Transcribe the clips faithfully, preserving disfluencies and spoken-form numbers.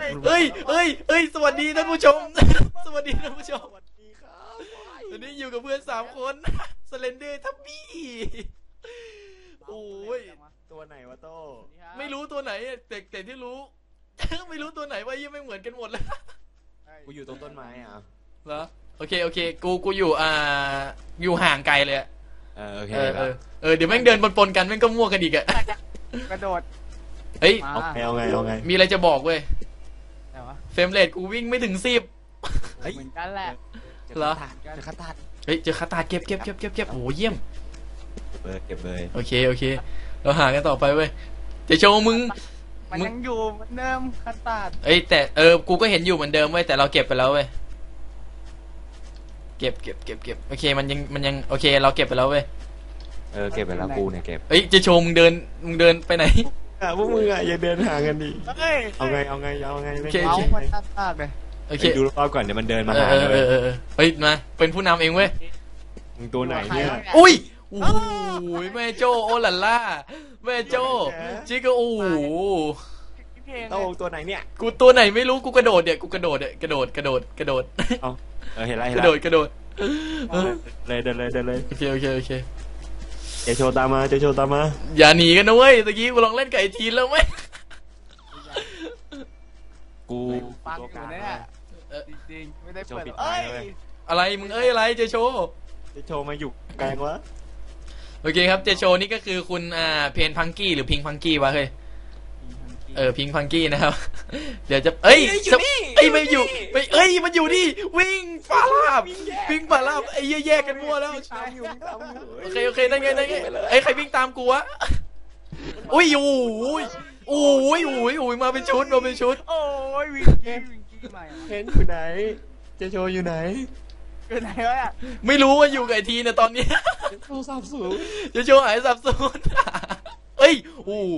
เฮ้ยเฮ้ยเฮ้ยสวัสดีท่านผู้ชมสวัสดีท่านผู้ชมสวัสดีครับวันนี้อยู่กับเพื่อนสามคนสเลนเดอร์ทับบี้โอ้ยตัวไหนวะโต้ไม่รู้ตัวไหนแต่แต่ที่รู้ไม่รู้ตัวไหนว่ายังไม่เหมือนกันหมดเลยกูอยู่ตรงต้นไม้อ่ะเหรอโอเคโอเคกูกูอยู่อ่าอยู่ห่างไกลเลยเออโอเคเออเออเดี๋ยวแม่งเดินปนๆกันแม่งก็มั่วกันอีกอะกระโดดเฮ้ยเอาไงเอาไงเอาไงมีอะไรจะบอกเว้ยเฟรมเรทกูวิ่งไม่ถึงสิบเหมือนกันแหละเหรอเจอคาตาเฮ้ยเจอคาตาเก็บเก็บเก็บเก็บเก็บโอ้เยี่ยมเก็บเลยเก็บเลยโอเคโอเคเราหากันต่อไปเว้ยจะโชว์มึงมันยังอยู่เหมือนเดิมคาตาเอ้ยแต่เออกูก็เห็นอยู่เหมือนเดิมเว้ยแต่เราเก็บไปแล้วเว้ยเก็บเก็บเก็บเก็บโอเคมันยังมันยังโอเคเราเก็บไปแล้วเว้ยเออเก็บไปแล้วกูเนี่ยเก็บเอ้ยจะโชว์มึงเดินมึงเดินไปไหนอ่ะพวกมึงอ่ะอย่าเดินห่างกันดิเอาไงเอาไงเอาไงโอเคโอเคโอเคดูรอบก่อนเดี๋ยวมันเดินมาหาเลยเฮ้ยมาเป็นผู้นำเองเว้ยมึงตัวไหนเนี่ยอุ้ยโอ้ยแม่โจโอลัลล่าแม่โจจิกโอ้โต้ตัวไหนเนี่ยกูตัวไหนไม่รู้กูกระโดดเนี่ยกูกระโดดเนี่ยกระโดดกระโดดกระโดดเอาเออเห็นไรเห็นไรกระโดดกระโดดเลยเดินเลยเดินเลยโอเคโอเคโอเคเจโชตามมาเจโชตามมาอย่าหนีกันนะเว้ยตะกี้กูลองเล่นไก่ทีนแล้วไหมกูฟังอยู่เนี่ยจริงๆไม่ได้เปิดเอ้ยอะไรมึงเอ้ยอะไรเจโชเจโชมาอยู่แกงวะโอเคครับเจโชนี่ก็คือคุณอ่าเพนพังกี้หรือพิงพังกี้วะเฮ้ยเออพิงพังกี้นะครับเดี๋ยวจะเอ้ยเอ้ยไม่อยู่ไม่เอ้ยมันอยู่นี่วิ่งฟาลาบวิ่งฟาลาบไอ้แยกกันมั่วแล้วโอเคโอเคได้ไงได้ไงไอ้ใครวิ่งตามกูวะอุ้ยโอ้ยโอ้ยโอ้ยโอ้ยมาเป็นชุดมาเป็นชุดโอ้ยวิ่งกี้วิ่งกี้มาเห็นอยู่ไหนเจโชอยู่ไหนอยู่ไหนวะไม่รู้ว่าอยู่กับไอทีนะตอนนี้โทรศัพท์สูงเจโชหายสับสนเอ้ยโอ้โห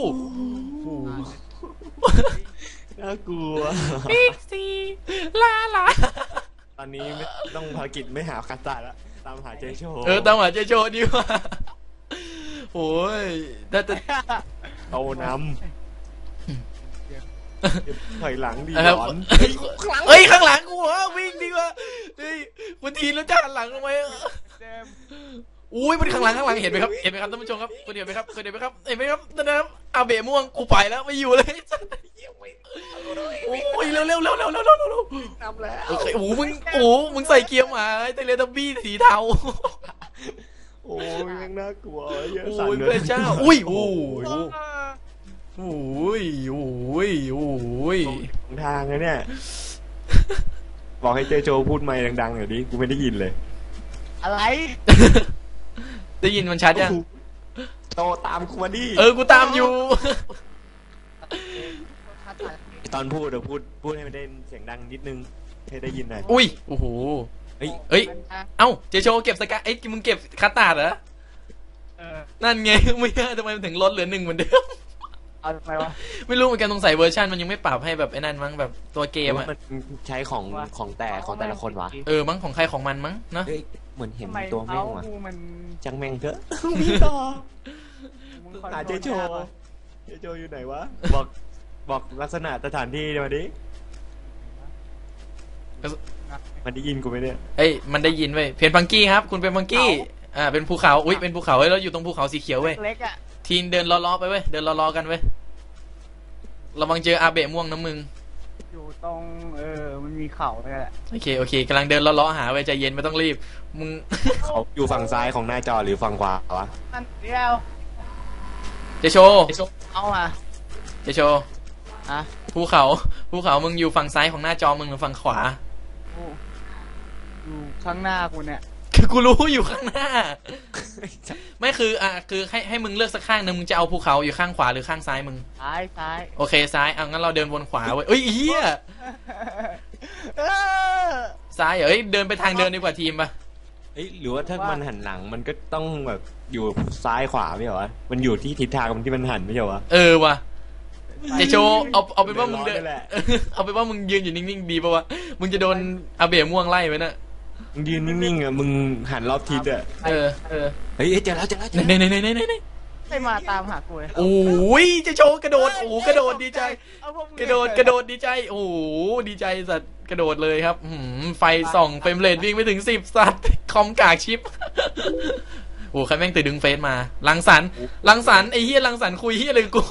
น่ากลัวบิ๊กซีลาลาตอนนี้ต้องภารกิจไม่หาคาตาแล้วตามหาเจโชเออตามหาเจโชดีกว่าโอ้ยแต่แต่เอานำถอยหลังดีหลอนเฮ้ยข้างหลังกูเหรอวิ่งดีกว่าเฮ้ยวันทีแล้วจะหันหลังทำไมอุ้ยมันข้างหลังข้างหลังเห็นไหมครับเห็นไหมครับท่านผู้ชมครับคุณเห็นไหมครับคุณเห็นไหมครับเห็นไหมครับนั่นนะครับอาเบะม่วงกูไปแล้วไม่อยู่เลยโอ้ยเร็วเร็วเร็วเร็วเร็วเร็วเร็วทำแล้วโอเคโอ้มึงโอ้มึงใส่เกียร์หมาไอ้เตเลทับบี้สีเทาโอ้ยยังน่ากลัวเยอะสั่นเลยพระเจ้าอุ้ยโอ้ยโอ้ยโอ้ยโอ้ยทางเลยเนี่ยบอกให้เจโจพูดไมค์ดังๆหน่อยดิกูไม่ได้ยินเลยอะไรได้ยินมันชัดยังโตตามกูมาดิเออกูตามอยู่ตอนพูดเดี๋ยวพูดพูดให้มันได้เสียงดังนิดนึงให้ได้ยินหน่อยอุ้ยโอ้โหเฮ้ยเฮ้ยเอ้าเจโชเก็บสกัดไอ้มึงเก็บคาตาเหรอนั่นไงไม่ใช่ทำไมมันถึงลดเหลือหนึ่งเหมือนเดิมเอาทำไมวะไม่รู้เหมือนกันตรงใส่เวอร์ชันมันยังไม่ปรับให้แบบไอ้นั่นมั้งแบบตัวเกมอะมันใช้ของของแต่ของแต่ละคนวะเออมั้งของใครของมันมั้งเนาะเหมือนเห็นตัวแม่งว่ะจังแม่งเถอะมีต่อหาเจโชเจโชอยู่ไหนวะบอกบอกลักษณะสถานที่มาดิมันได้ยินกูไหมเนี่ยเอ้ยมันได้ยินเว้ยเพนพังกี้ครับคุณเป็นพังกี้อ่าเป็นภูเขาอุ้ยเป็นภูเขาเว้ยแล้วอยู่ตรงภูเขาสีเขียวเว้ยเล็กอะทีนเดินล้อๆไปเว้ยเดินล้อๆกันเว้ยระวังเจออาเบะม่วงนะมึงอยู่ตรงเออมันมีเขาเลยแหละโอเคโอเคกำลังเดินล้อๆหาเว้ยใจเย็นไม่ต้องรีบมึงเขาอยู่ฝั่งซ้ายของหน้าจอหรือฝั่งขวาวะนั่นเดียวเจโชเอาอะเจโชอะภูเขาภูเขามึงอยู่ฝั่งซ้ายของหน้าจอมึงหรือฝั่งขวาอยู่ข้างหน้ากูเนี่ยคือกูรู้อยู่ข้างหน้าไม่คืออ่ะคือให้ให้มึงเลือกสักข้างนึงมึงจะเอาภูเขาอยู่ข้างขวาหรือข้างซ้ายมึงซ้ายซ้ายโอเคซ้ายอ่ะงั้นเราเดินวนขวาเว้ยเอ้ยเฮียซ้ายเอ้ยเดินไปทางเดินดีกว่าทีมป่ะเอ้ยหรือว่าถ้ามันหันหลังมันก็ต้องแบบอยู่ซ้ายขวาไม่เหรอวะมันอยู่ที่ทิศทางมันที่มันหันไม่ใช่วะเออว่ะเจโชเอาเอาไปว่ามึงเดินเอาไปว่ามึงยืนอยู่นิ่งๆดีป่ะวะมึงจะโดนอาเบะม่วงไล่ไว้น่ะมึงยืนนิ่งๆอ่ะมึงหันรอบทิศอ่ะเออเออเฮ้ยเจอแล้วเจอแล้วไหนไหนไหนไหนไหนไม่มาตามหากูเลยโอ้ยเจะโชว์กระโดดโอ้กระโดดดีใจเอาพวมึงกระโดดกระโดดดีใจโอ้โหดีใจสัตว์กระโดดเลยครับหืมไฟส่องเฟรมเรทวิ่งไปถึงสิบสัตว์คอมกากชิปโอ้ใครแม่งตื่นดึงเฟซมาลังสรรค์ลังสรรค์ไอ้เฮียลังสรรค์คุยเฮียอะไรกับกู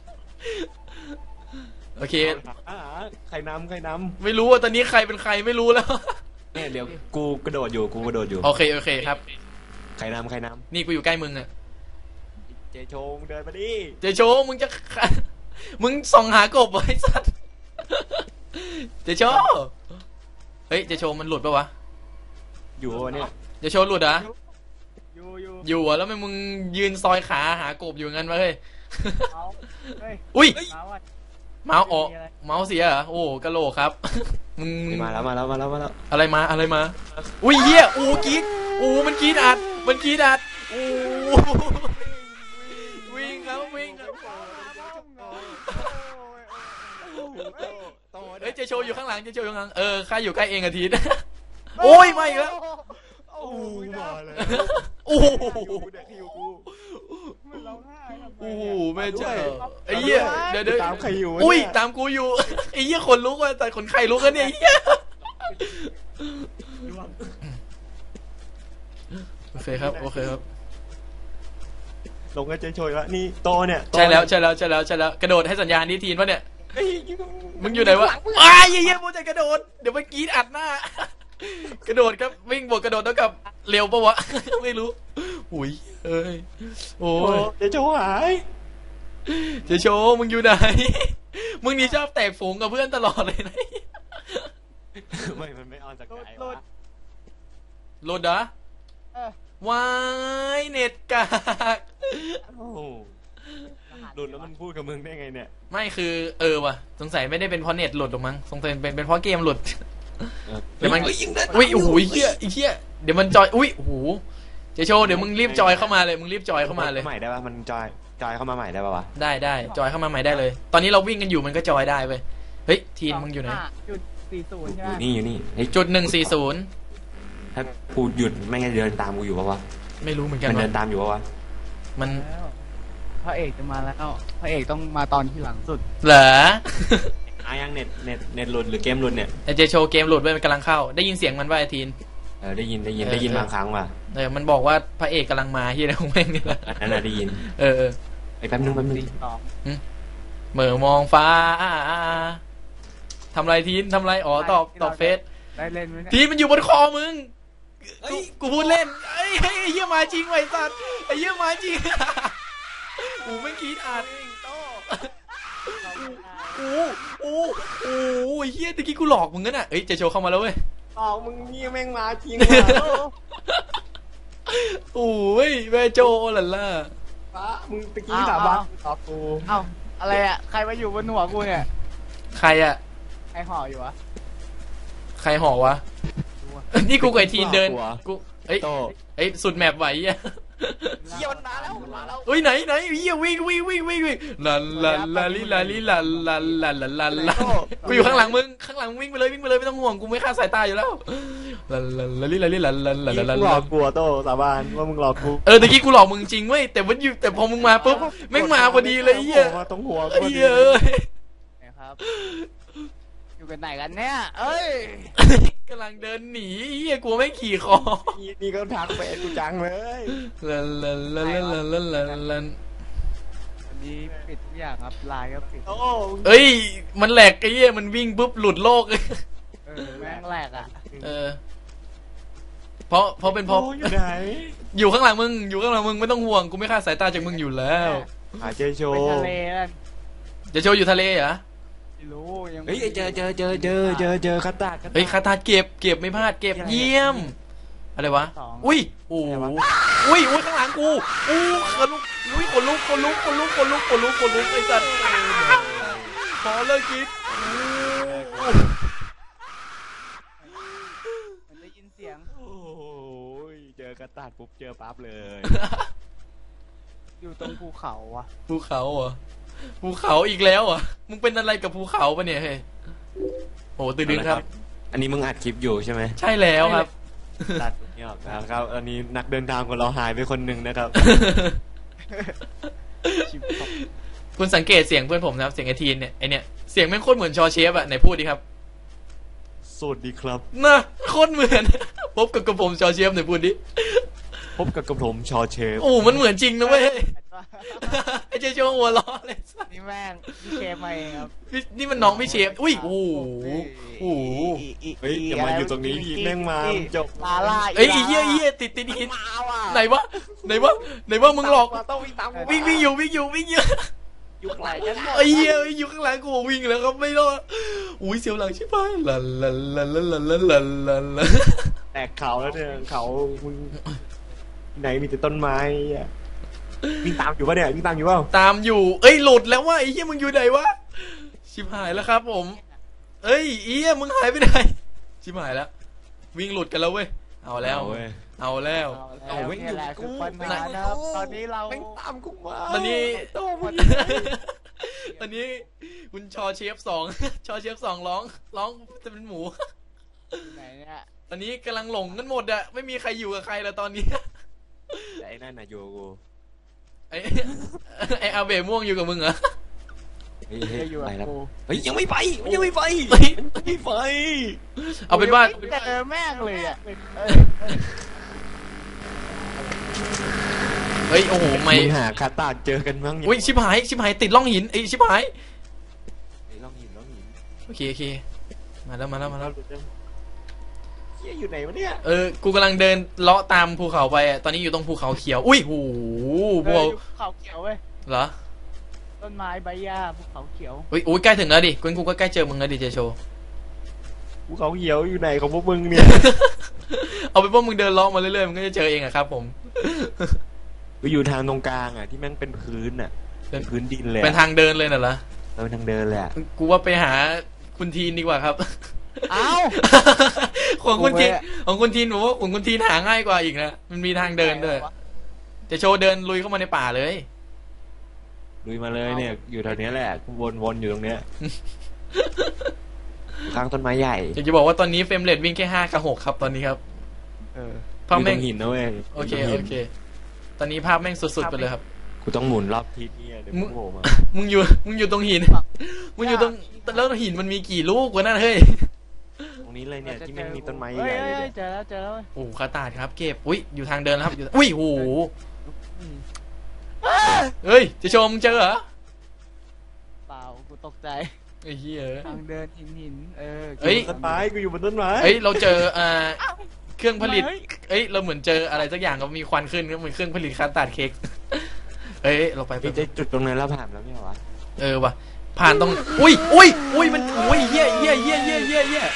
โอเคอ่าใครนำใครนไม่รู้ว่าตอนนี้ใครเป็นใครไม่รู้แล้วำเนี่ยเดี๋ยวกูกระโดดอยู่กูกระโดดอยู่โอเคโอเคครับใครนำใครนนี่กูอยู่ใกล้มึงอะำเจโชงเดินมาดิเจโชว์มึงจะ มึงส่องหากบไว้สัตว์เจโชว์เฮ้ยเจโชว์มันหลุดปะวะอยู่วะเนี่ยเจโชว์หลุดเหรออยู่อยู่อยู่อะแล้วทำไมมึงยืนซอยขาหากบอยู่งั้นวะเฮ้ยเอาเฮ้ยอุ้ยมาว่ะเมาส์ออกเมาส์เสียเหรอโอ้กะโหลกครับ มึงนี่มาแล้วมาแล้วมาแล้วมาแล้วอะไรมาอะไรมา อุ้ยเหี้ยอู้กรีดอู้มันกรีดอัดมันกรีดอัดอู้วิ่งครับวิ่งครับเฮ้ยเจโชว์อยู่ข้างหลังเจโชว์อยู่ข้างหลังเออข้าอยู่ใกล้เองอาทิตย์ โอ้ยมาอีกแล้วโอ้มาเลยโอ้โหเด็กอยู่กูมันร้องไห้ทำไมโอ้โหอะแม่เจ้าไอ้เหี้ยเดี๋ยวเดี๋ยวตามใครอยู่อุ้ยตามกูอยู่ไอ้เหี้ยคนลุกว่ะแต่คนใครลุกกันเนี่ยไอ้เหี้ยโอเคครับโอเคครับลงกับเจโชยแล้วนี่โตเนี่ยโตใช่แล้วใช่แล้วใช่แล้วใช่แล้วกระโดดให้สัญญาณนี้ทีนวะเนี่ยเฮ้ยมึงอยู่ไหนวะอ้ายเหี้ยโมจะกระโดดเดี๋ยวมันกรีดอัดหน้ากระโดดครับวิ่งบวกกระโดดเท่ากับเร็วปะวะ ไม่รู้อุ้ยเอ้ยโอ้โอ้ยเจโชหายเจโชว์มึงอยู่ไหน มึงนี่ชอบแตกฝูงกับเพื่อนตลอดเลยนะไม่มันไม่ออนสกายวะโหลดเหรอเออวายเน็ตกากโอ้หลุดแล้วมันพูดกับมึงได้ไงเนี่ยไม่คือเออว่ะสงสัยไม่ได้เป็นเพราะเน็ตหลุดหรอกมั้งสงสัยเป็นเป็นเพราะเกมหลุดเดี๋ยวมันอุ้ยโอ้โหไอ้เหี้ยไอ้เหี้ยเดี๋ยวมันจอยอุ้ยโอ้โหเจโชว์เดี๋ยวมึงรีบจอยเข้ามาเลยมึงรีบจอยเข้ามาเลยใหม่ได้ป่ะมันจอยจอยเข้ามาใหม่ได้ป่ะวะได้ได้จอยเข้ามาใหม่ได้เลย ตอนนี้เราวิ่งกันอยู่มันก็จอยได้เว้ยเฮ้ยทีนมึงอยู่ไหนจุดสี่ศูนย์ใช่อไหมยู่นี่อยู่นี่เฮ้ยจุดหนึ่งสี่ศูนย์ถ้ากูหยุดไม่งั้นเดินตามกูอยู่ป่ะวะไม่รู้เหมือนกันมันเดิว่ะนตามอยู่ป่ะวะมันแล้วพระเอกจะมาแล้วพระเอกต้องมาตอนที่หลังสุดเหรออายังเน็ตเน็ตเน็ตหลุดหรือเกมหลุดเนี่ยไอเจโชว์เกมโหลดไว้มันกำลังเข้าได้ยินเสียงมันว่าไอทีนเออได้ยินได้ยินเออได้ยินเออบางครั้งว่ะเออมันบอกว่าพระเอกกำลังมาที่อะไรของแม่งนี่แหละอันนั้นน่ะได้ยินเออเออไอ้แป๊บนึงแป๊บนึงสี่สองเหม่อมองฟ้าทำไรทีนทำไรอ๋อตอบตอบเฟซได้เล่นไหมเนี่ยทีนมันอยู่บนคอมึงกูกูพูดเล่นไอ้ไอ้เหี้ยมาจริงไว้สัตว์ไอ้เหี้ยมาจริงกูไม่คิดอ่านโอ้โอ้โอ้ไอ้เหี้ยตะกี้กูหลอกมึงกันอ่ะเอ้ยเจโชว์เข้ามาแล้วเว้ยอ๋อมึงนี่แม่งมาจริงโอ้ยแม่โจหล่ะล่ะฟ้ามึงตะกี้สาบานต่อกูเอ้าอะไรอ่ะใครมาอยู่บนหัวกูเนี่ยใครอะใครห่ออยู่วะใครห่อวะนี่กูกับไอทีนเดินกูเอ้ยโตเอ้ยสุดแมปไหวอ่ะเยี่ยมมาแล้วมาแล้วเฮ้ยไหนไหนเฮียวิ่งวิ่งวิ่งวิ่งวิ่งลันลันลาลิลาลิลันลันลันลันลันลันกูอยู่ข้างหลังมึงข้างหลังวิ่งไปเลยวิ่งไปเลยไม่ต้องห่วงกูไม่ฆ่าสายตาอยู่แล้วลันลันลาลิลาลิลันลันลันลันหลลัอน กกูโตสาบานว่ามึงหลอกกูเออตะกี้กูหลอกมึงจริงเว้ยแต่วันอยู่แต่พอมึงมาปุ๊บแม่งมาพอดีเลยเฮียตรงหัวเฮียเอ้ยนะครับอยู่กันไหนกันเนี่ยเอ้ยกำลังเดินหนีเฮียกลัวไม่ขี่คอนี่ก็ทักไปกูจังเลยลันลันลันลันลันลันลันวันนี้ปิดทุกอย่างครับไลน์ก็ปิดโอ้เอ้ยมันแหลกไอ้เหี้ยมันวิ่งปุ๊บหลุดโลกเลยเออแม่งแหลกอ่ะเออเพราะเพราะเป็นเพราะอยู่ไหนอยู่ข้างหลังมึงอยู่ข้างหลังมึงไม่ต้องห่วงกูไม่ฆ่าสายตาจากมึงอยู่แล้วหาเจโชไปทะเลนั่นจะโชว์อยู่ทะเลเหรอไม่รู้ยังเฮ้ยเจอเจอเจอเจอเจอเจอคาตาเฮ้ยคาตาเก็บเก็บไม่พลาดเก็บเยี่ยมอะไรวะอุ้ยโอ้โหอุ้ยอุ้ยข้างหลังกูอู้ขนลุกอุ้ยขนลุกขนลุกขนลุกขนลุกขนลุกขนลุกไอ้สัตว์ขอเลิกคิดมันได้ยินเสียงโอ้ยเจอคาตาปุ๊บเจอปั๊บเลยอยู่ตรงภูเขาอ่ะภูเขาเหรอภูเขาอีกแล้วเหรอ่ะมึงเป็นอะไรกับภูเขาปะเนี่ยเฮ้ยโอ้ตื่นดึงครับอันนี้มึงอัดคลิปอยู่ใช่ไหมใช่แล้วครับตัดเนี่ยออกแล้วครับอันนี้นักเดินทางของเราหายไปคนหนึ่งนะครับชิบหายคุณสังเกตเสียงเพื่อนผมนะครับเสียงไอทีนเนี่ยไอเนี่ยเสียงแม่งโคตรเหมือนชอเชฟอะไหนพูดดิครับสวัสดีครับน่ะโคตรเหมือน พบกับกระผมชอเชฟไหนพูดดิพบกับกระผมชอเชฟโอ้มันเหมือนจริงนะเว้ย ไอเจโชหัวล้อเลยนี่แม่งพี่เชฟมาเองครับพี่นี่มันน้องพี่เชฟอุ้ยโอ้โหโอ้โหเฮ้ยอย่ามาอยู่ตรงนี้พี่แม่งมาจบลาล่าเอ้ยไอ้เหี้ยไอ้เหี้ยติดติดหินมาว่ะไหนวะไหนวะไหนวะมึงหลอกต้องวิ่งตามกูวิ่งวิ่งอยู่วิ่งอยู่วิ่งอยู่อยู่ข้างหลังกันหมดไอ้เหี้ยอยู่ข้างหลังกูวิ่งแล้วครับไม่รอดอุ้ยเสียวหลังชิบหายลันลันลันลันลันลันลันลันลันแตกเขาแล้วเนี่ยเขามึงไหนมีแต่ต้นไม้อ่ะวิ่งตามอยู่ปะเนี่ยวิ่งตามอยู่เปล่าตามอยู่เอ้ยหลุดแล้วว่าไอ้เหี้ยมึงอยู่ไหนวะชิบหายแล้วครับผมเอ้ยเอี้ยมึงหายไปไหนชิบหายแล้ววิ่งหลุดกันแล้วเว้ยเอาแล้วเว้ยเอาแล้วเอาแล้วนี่แหละคือปัญหานะครับตอนนี้เราแม่งตามกูมาตอนนี้โต้มึงตอนนี้คุณชอเชฟสอง ชอเชฟสองร้องร้องจะเป็นหมูอยู่ไหนเนี่ยตอนนี้กำลังหลงกันหมดอะไม่มีใครอยู่กับใครแล้วตอนนี้แต่ไอ้นั่นน่ะโยกูไอ้ ไอ้อาเบะม่วงอยู่กับมึงเหรอเฮ้ยจะอยู่ไปกับแล้วกูเฮ้ยยังไม่ไปมันยังไม่ไปเฮ้ยมันไม่ไปเอาเป็นว่าไม่เจอแม่งเลยอ่ะเฮ้ยโอ้โหไม่มึงหาคาตาเจอกันมั้งอุ้ยชิบหายชิบหายติดร่องหินไอ้ยชิบหายไอ้ล่องหินล่องหินโอเคโอเคมาแล้วมาแล้วมาแล้วเฮียอยู่ไหนวะเนี่ยเออกูกำลังเดินเลาะตามภูเขาไปอะตอนนี้อยู่ตรงภูเขาเขียวอุ้ยโหภูเออเขาอยู่ภูเขาเขียวเว้ยเหรอต้นไม้ใบหญ้าภูเขาเขียวอุ้ยอุ้ยใกล้ถึงแล้วดิกูกูก็ใกล้เจอมึงแล้วดิเจโชภูเขาเขียวอยู่ไหนของพวกมึงเนี่ยเอาไปนว่ามึงเดินเลาะมาเรื่อยๆมึงก็จะเจอเองอะครับผมกูอยู่ทางตรงกลางอ่ะที่แม่งเป็นพื้นอ่ะเป็เป็น นพื้นดินเลยเป็นทางเดินเลยน่ะเหรอเออเป็นทางเดินเลยอะกูว่าไปหาคุณทีนดีกว่าครับเอ้าของคุณทีนโอ้ยของคุณทีนผมว่าของคุณทีนหาง่ายกว่าอีกนะมันมีทางเดินด้วยจะโชว์เดินลุยเข้ามาในป่าเลยลุยมาเลยเนี่ย อยู่แถวเนี้ยแหละกูวนๆอยู่ตรงเนี้ยข้างต้นไม้ใหญ่อยากจะบอกว่าตอนนี้เฟรมเรทวิ่งแค่ห้ากับหกครับตอนนี้ครับเออภาพอยู่ตแม่รง งหินนะเว้ยโอเคยู่ตรงหิโอน เค ตอนนี้ภาพแม่งสุดๆไปเลยครับกูต้องหมุนรอบทิศเนี่ยเดี๋ยวมึมึงงโผล่มามึงอยู่มึงอยู่ตรงหิน มึงอยู่ตรงแล้วหินมันมีกี่ลูกวะนั่นเฮ้ยตรงนี้เลยเนี่ยที่แม่งมีต้นไม้เฮ้ใหยญ่เฮ้ยๆเฮ้เนี่ย ยเจอแล้วเจอแล้วเว้ยโอ้คาตาดครับเก็บอุ้ยอยู่ทางเดินแล้วครับอยู่อุ้ยโหเฮ้ยจะโชว์มึงเจอเหรอเปล่ากูตกใจไอ้เหี้ยทางเดินหินหินเออเฮ้ยต้นไม้กูอยู่บนต้นไม้เอ้ยเราเจออ่าเครื่องผลิตเฮ้ยเอ้ยเราเหมือนเจออะไรสักอย่างก็มีควันขึ้นก็เหมือนเครื่องผลิตคาตาดเค้ก เอ้ยเราไปไปพี่ได้จุดตรงนั้นแล้วผ่านแล้วไม่เหรอวะเออว่ะผ่านตรงอุ้ยอุ้ยอุ้ยมันอุ้ยเหี้ยเหี้ยเหี้ยเหี้ยเหี้ยเหี้ย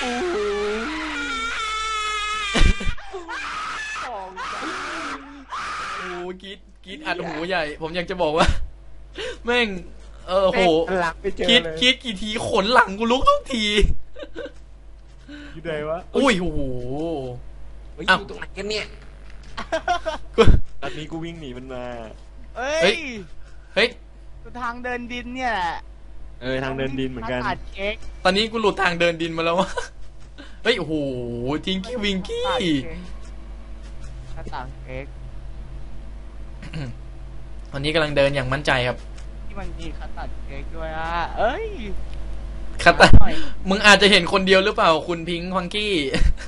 โอ้กรีดกรีดอัดหูใหญ่ ผมอยากจะบอกว่า แม่งเออโหหลังไปเจอคิดเลยคิดกี่ทีขนหลังกูลุกทุกทีอยู่ไหนวะอุ้ยโอ้โหเฮ้ยอ้าวอยู่ตรงไหนกันเนี่ยตอนนี้กูวิ่งหนีมันมาเฮ้เฮ้ยย เฮ้ยทางเดินดินเนี่ยแหละเออทางเดินดินเหมือนกันตัดเค้กตอนนี้กูหลุดทางเดินดินมาแล้ววะ เฮ้ยโอ้โหทิงกี้วิงกี้ตัดเค้กหน้าต่างเค้กตอนนี้กำลังเดินอย่างมั่นใจครับที่มันมีคัตตัดเค้กด้วยอ่ะเอ้ยคัตตาหน่อยมึงอาจจะเห็นคนเดียวหรือเปล่าคุณพิงค์ฟังกี้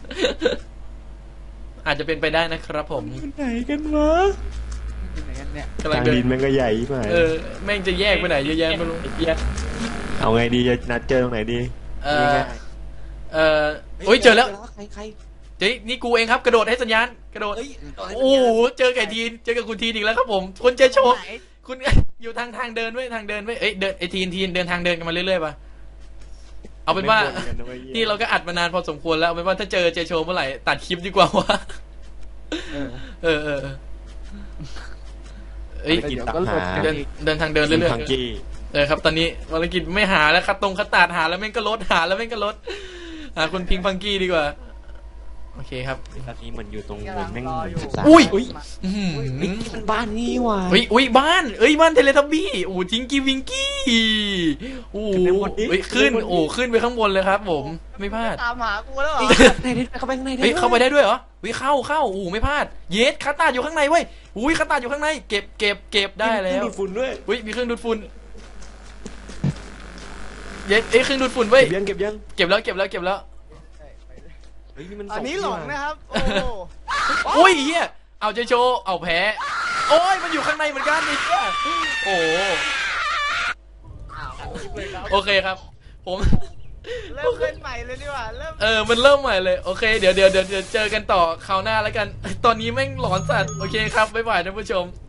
อาจจะเป็นไปได้นะครับผมอยู่ไหนกันวะอยู่ไหนกันเนี่ยกำลังทางเดิดินนแม่งก็ใหญ่มากเออแม่งจะแยกไปไหนเยอะแยะไม่รู้แยกเอาไงดีจะนัดเจอตรงไหนดีเออเออโอ้ยเจอแล้วใครใครเจ๊นี่กูเองครับกระโดดให้สัญญาณกระโดดเฮ้ยโอ้โหเจอไก่ทีนเจอกับคุณทีนอีกแล้วครับผมคุณเจโชว์ไหนคุณ อยู่ทางทางเดินไว้ยทางเดินไว้ยเอ้ยเดินไอทีนทีนเดินทางเดินกันมาเรื่อยๆป่ะเอาเป็นว่า นี่เราก็อัดมานานพอสมควรแล้วเอาเป็นว่าถ้าเจอเจโชว์เมื่อไหร่ตัดคลิปดีกว่าวะเออเออเออเออเอ้ยกินเดี๋ยวตับก็หลุดหาเดินเดินทางเดินเรื่อยพังกี้ๆเออครับตอนนี้ภารกิจไม่หาแล้วคัดตรงคัดตาดหาแล้วแม่งก็ลดหาแล้วแม่งก็ลดหาคุณพิงฟังกี้ดีกว่าโอเคครับตอนนี้เหมือนอยู่ตรงเหมือนแม่งรออยู่สามอุ้ยอุ้ยอื้อหือนี่มันบ้านนี่ว่ะเฮ้ยอุ้ยบ้านเอ้ยบ้านเทเลทับบี้โอ้ทิงกี้วิงกี้โอ้โหเฮ้ยขึ้นโอ้ขึ้นไปข้างบนเลยครับ ผมไม่พลาดตามหากูแล้วเหรอในนี้เข้าไปข้างในเฮ้ยเข้าไปได้ด้วยเหรอวิเข้าเข้าโอ้ไม่พลาดเยสคาตาอยู่ข้างในเว้ยอุ้ยคาตาอยู่ข้างในเก็บเก็บเก็บได้แล้วมีฝุ่นด้วยอุ้ยมีเครื่องดูดฝุ่นเยสเอ้ยเครื่องดูดฝุ่นเว้ยเก็บยังเก็บยังเก็บแล้วเก็บแล้วเก็บแล้วเฮ้ยนี่มันอันนี้หลงนะครับ โอ้อุ้ยเฮียเอาเจโชเอาแพ้โอ้ยมันอยู่ข้างในเหมือนกันนี่เฮียโอ้โอเคครับ ผมเริ่มเล่นใหม่เลยดีกว่าเริ่มเออ มันเริ่มใหม่เลย โอเค เดี๋ยวเดี๋ยวเดี๋ยวเจอกันต่อคราวหน้าแล้วกัน ตอนนี้แม่งหลอนสัตว์ โอเคครับ บ๊ายบายท่านผู้ชม